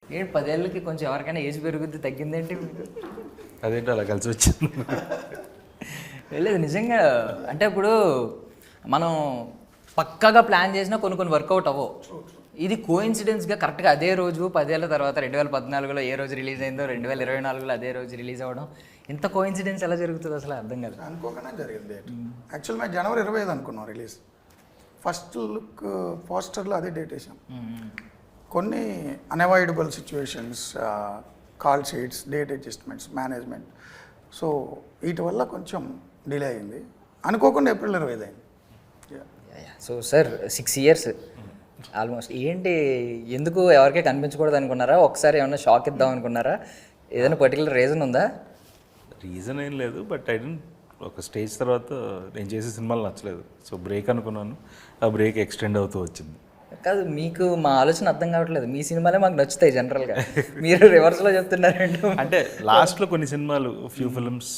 ఏంటి 10 ఏళ్ళకి కొంచెం ఎవరికైనా ఏజ్ పెరుగుద్ది తగ్గిందేంటి మీకు? అదేంటి అలా కలిసి వచ్చింది. లేదు నిజంగా అంటే ఇప్పుడు మనం పక్కాగా ప్లాన్ చేసినా కొన్ని వర్కౌట్ అవ్వవు. ఇది కోఇన్సిడెన్స్గా కరెక్ట్గా అదే రోజు 10 ఏళ్ళ తర్వాత 2014లో ఏ రోజు రిలీజ్ అయిందో 2024లో అదే రోజు రిలీజ్ అవ్వడం, ఇంత కోఇన్సిడెన్స్ ఎలా జరుగుతుంది అసలు అర్థం కాదు. అనుకోకుండా జరిగింది డేట్. యాక్చువల్ మేము జనవరి 25 అనుకున్నాం రిలీజ్. ఫస్ట్ లుక్ పోస్టర్లో అదే డేట్ వేసాం. కొన్ని unavoidable situations, call sheets, date adjustments, management, so వీటి వల్ల కొంచెం డిలే అయింది. అనుకోకుండా ఏప్రిల్ 25 అయింది. సో సార్ 6 ఇయర్స్ ఆల్మోస్ట్ ఏంటి, ఎందుకు ఎవరికీ కనిపించకూడదు అనుకున్నారా? ఒకసారి ఏమన్నా షాక్ ఇద్దాం అనుకున్నారా? ఏదైనా పర్టికులర్ రీజన్ ఉందా? రీజన్ ఏం లేదు, బట్ ఐ డోంట్, ఒక స్టేజ్ తర్వాత నేను చేసే సినిమాలు నచ్చలేదు, సో బ్రేక్ అనుకున్నాను. ఆ బ్రేక్ ఎక్స్టెండ్ అవుతూ వచ్చింది. కాదు, మీకు మా ఆలోచన అర్థం కావట్లేదు. మీ సినిమాలే మాకు నచ్చుతాయి జనరల్గా, మీరు రివర్స్లో చెప్తున్నారండి. అంటే లాస్ట్లో కొన్ని సినిమాలు, ఫ్యూ ఫిల్మ్స్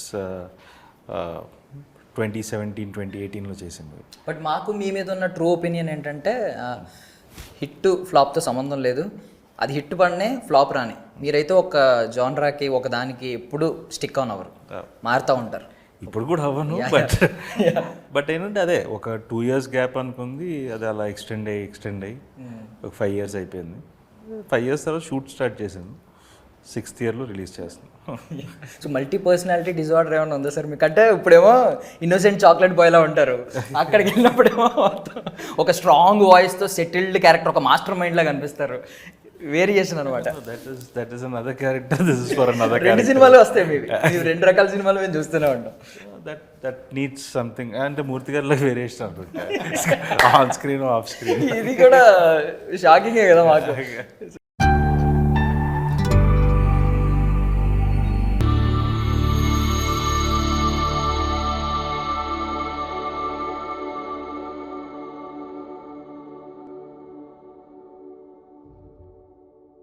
2017, 2018లో చేసింది. బట్ మాకు మీ మీద ఉన్న ట్రూ ఒపీనియన్ ఏంటంటే హిట్ ఫ్లాప్తో సంబంధం లేదు, అది హిట్ పడినే ఫ్లాప్ రాని. మీరైతే ఒక జానరాకి ఒక దానికి ఎప్పుడు స్టిక్ ఆన్ అవ్వరు, మారుతూ ఉంటారు. ఇప్పుడు కూడా అవ్వను, బట్ ఏంటంటే అదే ఒక 2 years గ్యాప్ అనుకుంది, అది అలా ఎక్స్టెండ్ అయ్యి ఒక 5 years అయిపోయింది. 5 years తర్వాత షూట్ స్టార్ట్ చేశాను, 6th yearలో రిలీజ్ చేస్తున్నాను. సో మల్టీ పర్సనాలిటీ డిజార్డర్ ఏమైనా ఉందా సార్ మీకు? అంటే ఇప్పుడేమో ఇన్నోసెంట్ చాక్లెట్ బాయ్లా ఉంటారు, అక్కడికి వెళ్ళినప్పుడేమో ఒక స్ట్రాంగ్ వాయిస్తో సెటిల్డ్ క్యారెక్టర్, ఒక మాస్టర్ మైండ్లా కనిపిస్తారు. వేరియేషన్ అనమాట. That is another character, this is for another రెండు సినిమాలు వస్తాయి మీకు, 2 రకాల సినిమాలు మేము చూస్తూనే ఉంటాం. That needs something. అంటే మూర్తి గారిలో వేరియేషన్ అనుకుంటా, ఆన్ స్క్రీన్ ఆఫ్ స్క్రీన్. ఇది కూడా షాకింగే కదా మాకు.